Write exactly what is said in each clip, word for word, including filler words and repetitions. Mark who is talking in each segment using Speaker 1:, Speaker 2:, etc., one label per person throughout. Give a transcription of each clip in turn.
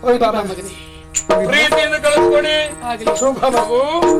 Speaker 1: ಪ್ರೀತಿಯಿಂದ ಕಳಿಸ್ಕೊಡಿ. ಶುಭ ಮಗು.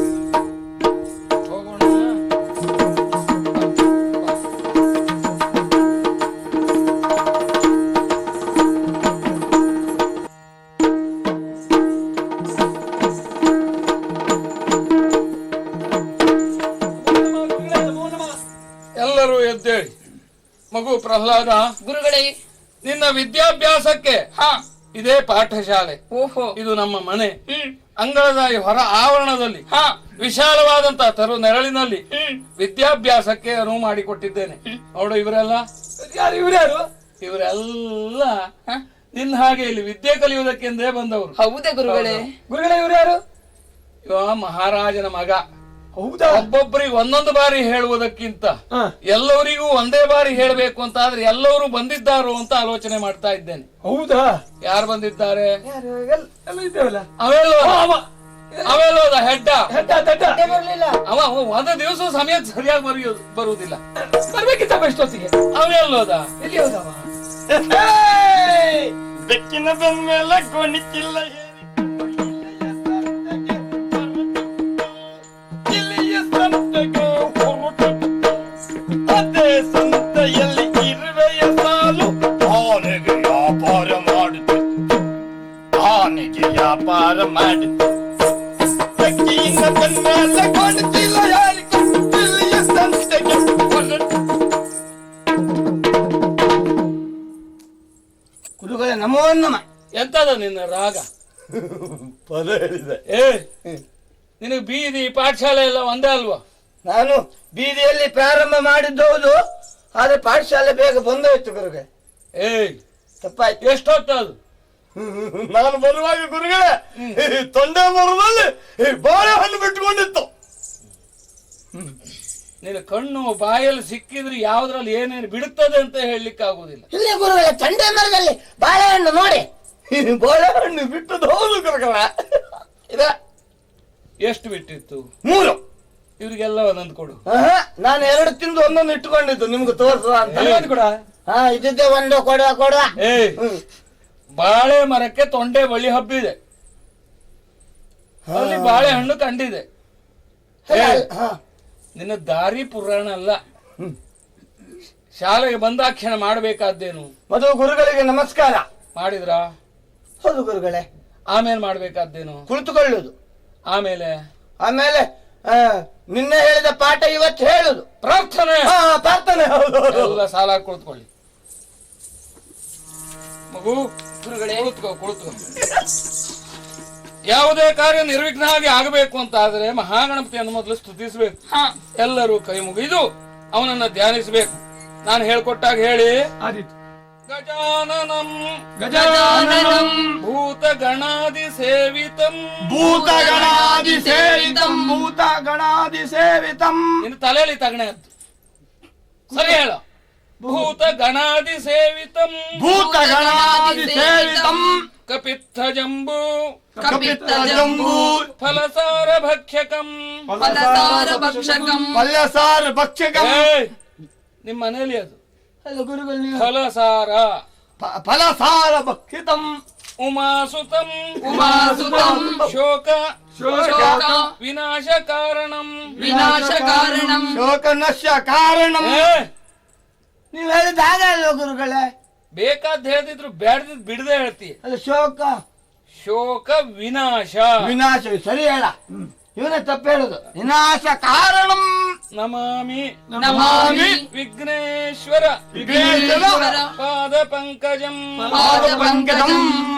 Speaker 1: ಎಲ್ಲರೂ ಎದ್ದೇಳಿ. ಮಗು ಪ್ರಹ್ಲಾದ,
Speaker 2: ಗುರುಗಳೇ,
Speaker 1: ನಿನ್ನ ವಿದ್ಯಾಭ್ಯಾಸಕ್ಕೆ
Speaker 2: ಹಾ
Speaker 1: ಇದೇ ಪಾಠಶಾಲೆ.
Speaker 2: ಓಹೋ,
Speaker 1: ಇದು ನಮ್ಮ ಮನೆ. ಅಂಗಳದ ಈ ಹೊರ ಆವರಣದಲ್ಲಿ
Speaker 2: ಹಾ
Speaker 1: ವಿಶಾಲವಾದಂತಹ ತರು ನೆರಳಿನಲ್ಲಿ
Speaker 2: ಹ್ಮ್
Speaker 1: ವಿದ್ಯಾಭ್ಯಾಸಕ್ಕೆ ಅನುವು ಮಾಡಿಕೊಟ್ಟಿದ್ದೇನೆ. ನೋಡು, ಇವರೆಲ್ಲ
Speaker 2: ಯಾರು ಇವರ್ಯಾರು?
Speaker 1: ಇವರೆಲ್ಲ ನಿನ್ನ ಹಾಗೆ ಇಲ್ಲಿ ವಿದ್ಯೆ ಕಲಿಯುವುದಕ್ಕೆಂದೇ ಬಂದವರು.
Speaker 2: ಹೌದೇ ಗುರುಗಳೇ?
Speaker 3: ಗುರುಗಳೇ, ಇವ್ರ್ಯಾರು?
Speaker 1: ಇವ ಮಹಾರಾಜನ ಮಗ.
Speaker 3: ಹೌದಾ?
Speaker 1: ಒಬ್ಬೊಬ್ಬರಿಗೆ ಒಂದೊಂದು ಬಾರಿ ಹೇಳುವುದಕ್ಕಿಂತ
Speaker 3: ಹಾ.
Speaker 1: ಎಲ್ಲವರಿಗೂ ಒಂದೇ ಬಾರಿ ಹೇಳಬೇಕು ಅಂತ ಆದ್ರೆ ಎಲ್ಲರೂ ಬಂದಿದ್ದಾರೋ ಅಂತ ಆಲೋಚನೆ ಮಾಡ್ತಾ ಇದ್ದೇನೆ.
Speaker 3: ಹೌದಾ?
Speaker 1: ಯಾರು ಬಂದಿದ್ದಾರೆ?
Speaker 3: ಯಾರು? ಎಲ್- ಎಲ್ಲ ಇದ್ದೇವಲ್ಲ.
Speaker 1: ಅವೆಲ್ಲೋ
Speaker 3: ಅವ
Speaker 1: ಅವೆಲ್ಲೋದ ಹೆಡ್ಡ
Speaker 3: ಹೆಡ್ಡ ದಡ್ಡ
Speaker 2: ಬರ್ಲಿಲ್ಲ.
Speaker 1: ಅವ ಅವ ಒಂದು ದಿವಸ ಸಮಯಕ್ಕೆ ಸರಿಯಾಗಿ ಬರೆಯೋದು ಬರುವುದಿಲ್ಲ.
Speaker 3: ಬರ್ಬೇಕಿತ್ತಪ್ಪ ಇಷ್ಟೊತ್ತಿಗೆ.
Speaker 1: ಅವೆಲ್ಲೋದ
Speaker 3: ಎಲ್ಲಿ ಹೋದವ?
Speaker 4: ಬೆಕ್ಕಿನ ಬಂದ್ಮೇಲೆ ಕೊಣಿಕ್ಕಿಲ್ಲ. ಅದೇ ಸಂತೆಯಲ್ಲಿ ಇರುವೆಯ ಸಾಲು ಆನೆಗೆ ವ್ಯಾಪಾರ ಮಾಡುತ್ತೆ, ಆನೆಗೆ ವ್ಯಾಪಾರ ಮಾಡುತ್ತೆ. ಬೆಕ್ಕಿನ ಬಂದ್ಮೇಲೆ ಕೊಣಿಕ್ಕಿಲ್ಲ ಯಾರಿಗೂ, ಇಲ್ಲಿಯ ಸಂತೆಗೆ ಹೊರಟು.
Speaker 3: ಗುರುಗಳೇ, ನಮೋ ನಮ.
Speaker 1: ಎಂತದ ನಿನ್ನ ರಾಗ?
Speaker 3: ಪದ ಹೇಳಿದೆ.
Speaker 1: ಏ ನಿನಗೆ ಬೀದಿ ಪಾಠಶಾಲೆ ಎಲ್ಲ ಒಂದೇ ಅಲ್ವಾ?
Speaker 3: ನಾನು ಬೀದಿಯಲ್ಲಿ ಪ್ರಾರಂಭ ಮಾಡಿದ್ದು ಹೌದು, ಆದ್ರೆ ಪಾಠಶಾಲೆ ಬೇಗ ಬಂದೋಯ್ತು ಗುರುಗಳೇ.
Speaker 1: ಏಯ್
Speaker 3: ತಪ್ಪಾಯ್ತು.
Speaker 1: ಎಷ್ಟೊತ್ತದು?
Speaker 4: ನಾನು ಬರುವಾಗ ಗುರುಗಳೇ ತೊಂಡೆ ಮರದಲ್ಲಿ ಬಾಳೆಹಣ್ಣು ಬಿಟ್ಕೊಂಡಿತ್ತು.
Speaker 1: ನಿನ್ನ ಕಣ್ಣು ಬಾಯಲ್ಲಿ ಸಿಕ್ಕಿದ್ರೆ ಯಾವ್ದ್ರಲ್ಲಿ ಏನೇನು ಬಿಡುತ್ತದೆ ಅಂತ ಹೇಳಲಿಕ್ಕೆ ಆಗುದಿಲ್ಲ.
Speaker 3: ಇಲ್ಲಿ ಗುರುಗಳೇ, ಚಂಡೆ ಮರದಲ್ಲಿ ಬಾಳೆಹಣ್ಣು ನೋಡಿ. ಬಾಳೆಹಣ್ಣು ಬಿಟ್ಟದ್ದು ಹೌದು ಗುರುಗಳ. ಇದ
Speaker 1: ಎಷ್ಟು ಬಿಟ್ಟಿತ್ತು?
Speaker 3: ಮೂರು.
Speaker 1: ಇವ್ರಿಗೆಲ್ಲ ಒಂದೊಂದು ಕೊಡು.
Speaker 3: ಆಹಾ, ನಾನು ಎರಡು ತಿಂದು ಒಂದೊಂದು ಇಟ್ಟುಕೊಂಡಿದ್ದು ನಿಮ್ಗೆ ತೋರಿಸುವ ಅಂತ.
Speaker 1: ಇನ್ನೊಂದು ಕೊಡ.
Speaker 3: ಹಾ, ಇದ್ದಿದ್ದೆ ಒಂದು ಕೊಡುವ ಕೊಡುವ.
Speaker 1: ಏಯ್ ಬಾಳೆ ಮರಕ್ಕೆ ತೊಂಡೆ ಬಳ್ಳಿ ಹಬ್ಬಿದೆ, ಅಲ್ಲಿ ಬಾಳೆಹಣ್ಣು ಕಂಡಿದೆ. ಏಯ್,
Speaker 3: ಹಾ.
Speaker 1: ನಿನ್ನ ದಾರಿ ಪುರಾಣ ಅಲ್ಲ. ಶಾಲೆಗೆ ಬಂದಾಕ್ಷಣ ಮಾಡಬೇಕಾದ್ದೇನು?
Speaker 3: ಮೊದಲು ಗುರುಗಳಿಗೆ ನಮಸ್ಕಾರ
Speaker 1: ಮಾಡಿದ್ರಾ?
Speaker 3: ಹೌದು ಗುರುಗಳೇ.
Speaker 1: ಆಮೇಲೆ ಮಾಡ್ಬೇಕಾದ್ದೇನು?
Speaker 3: ಕುಳಿತುಕೊಳ್ಳುವುದು.
Speaker 1: ಆಮೇಲೆ
Speaker 3: ಆಮೇಲೆ ಆ, ನಿನ್ನೆ ಹೇಳಿದ ಪಾಠ ಇವತ್ತು ಹೇಳುದು.
Speaker 1: ಪ್ರಾರ್ಥನೆ.
Speaker 3: ಹಾ, ಪ್ರಾರ್ಥನೆ. ಹೌದು
Speaker 1: ಎಲ್ಲ ಸಾಲ ಕುಳಿತುಕೊಳ್ಳಿ. ಮಗು
Speaker 2: ಗುರುಗಳೇ,
Speaker 1: ಕುಳಿತುಕೋ ಕುಳಿತುಕೋ. ಯಾವುದೇ ಕಾರ್ಯ ನಿರ್ವಿಘ್ನ ಆಗಿ ಆಗಬೇಕು ಅಂತ ಆದ್ರೆ ಮಹಾಗಣಪತಿಯನ್ನು ಮೊದಲು ಸ್ತುತಿಸಬೇಕು.
Speaker 2: ಹಾ
Speaker 1: ಎಲ್ಲರೂ ಕೈ ಮುಗಿದು ಅವನನ್ನ ಧ್ಯಾನಿಸಬೇಕು. ನಾನು ಹೇಳ್ಕೊಟ್ಟಾಗ ಹೇಳಿ. ಗಜಾನನಂ
Speaker 2: ಗಜಾನನಂ
Speaker 1: ಭೂತ ಗಣಾದಿ ಸೇವಿತಂ
Speaker 4: ಭೂತಗಣಾದಿ ಸೇವಿತಂ ಭೂತಗಣಾದಿ ಸೇವಿತಂ.
Speaker 1: ನಿನ್ನ ತಲೆಯಲ್ಲಿ ತಗಣೆ ಅಂತ ಸರಿ ಹೇಳ. ಭೂತ ಗಣಾದಿ ಸೇವಿತಂ
Speaker 4: ಭೂತಗಣಾದಿ ಸೇವಿತಂ
Speaker 1: ಕಪಿತ್ತ ಜಂಬೂ
Speaker 2: ಕಪಿತ್ತ ಜಂಬೂ
Speaker 1: ಫಲಸಾರ ಭಕ್ಷ್ಯಕಂ
Speaker 2: ಫಲಸಾರ ಭಕ್ಷಕಂ
Speaker 4: ಪಲ್ಯಸಾರ ಭಕ್ಷ್ಯಕಂ.
Speaker 1: ಏಯ್, ನಿಮ್ಮ ಮನೆಯಲ್ಲಿ ಅದು
Speaker 3: ಅಲ್ಲ ಗುರುಗಳು, ನೀವು
Speaker 1: ಫಲಸಾರ
Speaker 4: ಪ- ಫಲಸಾರ ಭಕ್ಷಿತಂ
Speaker 1: ಉಮಾಸುತಂ
Speaker 2: ಉಮಾಸುತಂ
Speaker 1: ಶೋಕ
Speaker 2: ಶೋಕ
Speaker 1: ವಿನಾಶ ಕಾರಣಂ
Speaker 2: ವಿನಾಶ ಕಾರಣಂ
Speaker 4: ಶೋಕನಶ್ಯ ಕಾರಣಂ.
Speaker 1: ಏ,
Speaker 3: ನೀವು ಹೇಳಿದ ಹಾಗೆ ಅಲ್ವ ಗುರುಗಳೇ?
Speaker 1: ಬೇಕಾದ್ ಹೇಳ್ತಿದ್ರು ಬೇಡದಿದ್ ಬಿಡದೆ ಹೇಳ್ತೀಯ.
Speaker 3: ಅದು ಶೋಕ
Speaker 1: ಶೋಕ ವಿನಾಶ
Speaker 3: ವಿನಾಶ. ಸರಿ ಹೇಳ. ಇವನೇ ತಪ್ಪು ಹೇಳುದು. ವಿನಾಶ ಕಾರಣಂ
Speaker 1: ನಮಾಮಿ
Speaker 2: ನಮಾಮಿ
Speaker 1: ವಿಘ್ನೇಶ್ವರ
Speaker 2: ವಿಘ್ನೇಶ್ವರ
Speaker 1: ಪಾದ ಪಂಕಜಂ
Speaker 2: ಪಾದ ಪಂಕಜಂ